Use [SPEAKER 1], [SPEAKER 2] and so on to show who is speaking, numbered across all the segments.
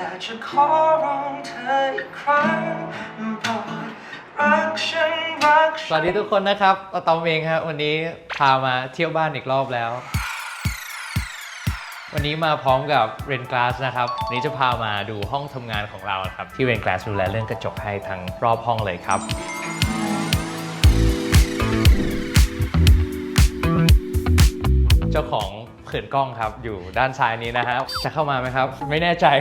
[SPEAKER 1] ากจะขอร้องเธออีกครั้งโปรดรักฉัน
[SPEAKER 2] สวัสดีทุกคนนะครับอะตอมเองครับวันนี้พามาเที่ยวบ้านอีกรอบแล้ววันนี้มาพร้อมกับเรนกลาสนะครับวันนี้จะพามาดูห้องทำงานของเราครับที่เรนกลาสดูแลเรื่องกระจกให้ทั้งรอบห้องเลยครับเจ้าของเขินกล้องครับอยู่ด้านซ้ายนี้นะครับจะเข้ามาไหมครับไม่แน่ใจ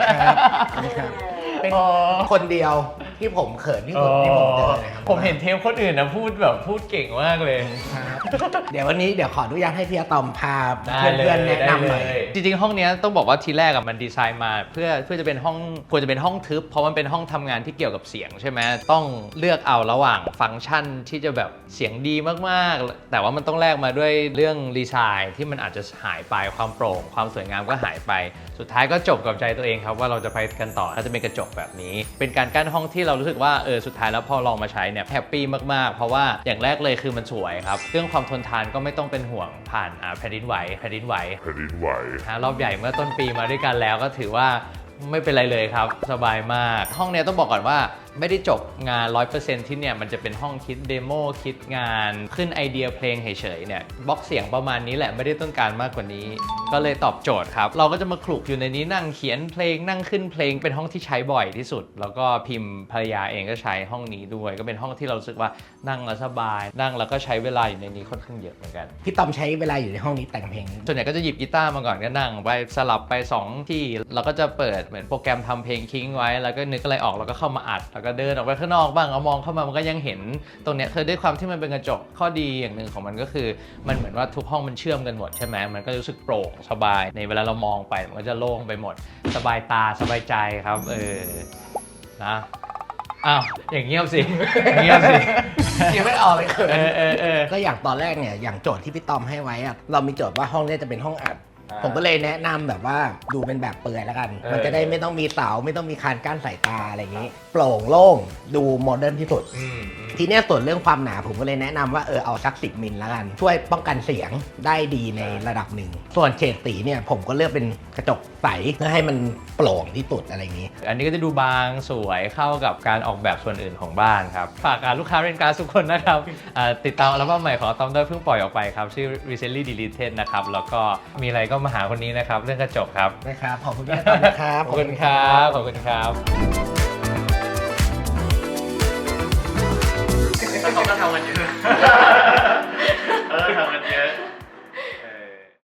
[SPEAKER 3] เป็นคนเดียวที่ผมเขินที่สุดที่ผมเจอเลยครับ
[SPEAKER 2] ผมเห็นเทปคนอื่นนะพูดเก่งมากเลย
[SPEAKER 3] เดี๋ยววันนี้ขออนุญาตให้พี่อะตอมพาเพื่อนๆแนะนำหน่อย
[SPEAKER 2] จริงๆห้องนี้ต้องบอกว่าทีแรกมันดีไซน์มาเพื่อจะเป็นห้องควรจะเป็นห้องทึบเพราะมันเป็นห้องทำงานที่เกี่ยวกับเสียงใช่ไหมต้องเลือกเอาระหว่างฟังก์ชันที่จะแบบเสียงดีมากๆแต่ว่ามันต้องแลกมาด้วยเรื่องดีไซน์ที่มันอาจจะหายไปความโปร่งความสวยงามก็หายไปสุดท้ายก็จบกับใจตัวเองครับว่าเราจะไปกันต่อถ้าจะเป็นกระจกแบบนี้เป็นการกั้นห้องที่เรารู้สึกว่าสุดท้ายแล้วพอลองมาใช้เนี่ยแฮปปี้มากๆเพราะว่าอย่างแรกเลยคือมันสวยครับเรื่องความทนทานก็ไม่ต้องเป็นห่วงผ่านแผ่นดินไหวรอบใหญ่เมื่อต้นปีมาด้วยกันแล้วก็ถือว่าไม่เป็นไรเลยครับสบายมากห้องนี้ต้องบอกก่อนว่าไม่ได้จบงาน 100% ที่เนี่ยมันจะเป็นห้องคิดเดโมคิดงานขึ้นไอเดียเพลงเฉยๆเนี่ยบล็อกเสียงประมาณนี้แหละไม่ได้ต้องการมากกว่านี้ก็เลยตอบโจทย์ครับเราก็จะมาคลุกอยู่ในนี้นั่งเขียนเพลงนั่งขึ้นเพลงเป็นห้องที่ใช้บ่อยที่สุดแล้วก็พิมพ์ภรรยาเองก็ใช้ห้องนี้ด้วยก็เป็นห้องที่เรารู้สึกว่านั่งแล้วสบายนั่งแล้วก็ใช้เวลาอยู่ในนี้ค่อนข้างเยอะเหมือนกัน
[SPEAKER 3] พี่ตอมใช้เวลาอยู่ในห้องนี้แต่งเพลง
[SPEAKER 2] ส่วนใหญ่ก็จะหยิบกีตาร์มาก่อนก็นั่งไปสลับไป2ที่แล้วก็จะเปิดเหมือนโปรแกรมทำเพลงทิ้งไว้แล้วก็นึกอะไรออกแล้วก็เข้ามาอัดแล้วก็เดินออกไปข้างนอกบ้างเอามองเข้ามามันก็ยังเห็นตรงเนี้ยคือด้วยความที่มันเป็นกระจกข้อดีอย่างหนึ่งของมันก็คือมันเหมือนว่าทุกห้องมันเชื่อมกันหมดใช่ไหมมันก็รู้สึกโปร่งสบายในเวลาเรามองไปมันก็จะโล่งไปหมดสบายตาสบายใจครับนะอ้าวอย่างเงียบสิ
[SPEAKER 3] ยังไม่ออกเลยเขินก็อย่างตอนแรกเนี่ยอย่างโจทย์ที่พี่ตอมให้ไว้อะเรามีโจทย์ว่าห้องนี้จะเป็นห้องอัดผมก็เลยแนะนำแบบว่าดูเป็นแบบเปลือยแล้วกันมันจะได้ไม่ต้องมีเสาไม่ต้องมีคานกั้นสายตาอะไรอย่างนี้โปร่งโล่งดูโมเดิร์นที่สุดทีนี้ส่วนเรื่องความหนาผมก็เลยแนะนำว่าเอาสัก10 มิลแล้วกันช่วยป้องกันเสียงได้ดีในระดับหนึ่งส่วนเฉดสีเนี่ยผมก็เลือกเป็นกระจกใสเพื่อให้มันโปร่งที่สุดอะไรอย่างนี้
[SPEAKER 2] อันนี้ก็จะดูบางสวยเข้ากับการออกแบบส่วนอื่นของบ้านครับฝากลูกค้าเรนการ์ดทุกคนนะครับติดตามอัลบั้มใหม่ของอะตอมด้วยเพิ่งปล่อยออกไปครับชื่อ Recently Deleted นะครับแล้วก็มีอะไรก็มาหาคนนี้นะครับเรื่องกระจกครับ
[SPEAKER 3] นะครับขอบคุณมากนะครับ
[SPEAKER 2] ขอบคุณครับขอบคุณครับเขาก็ทำกันอยู่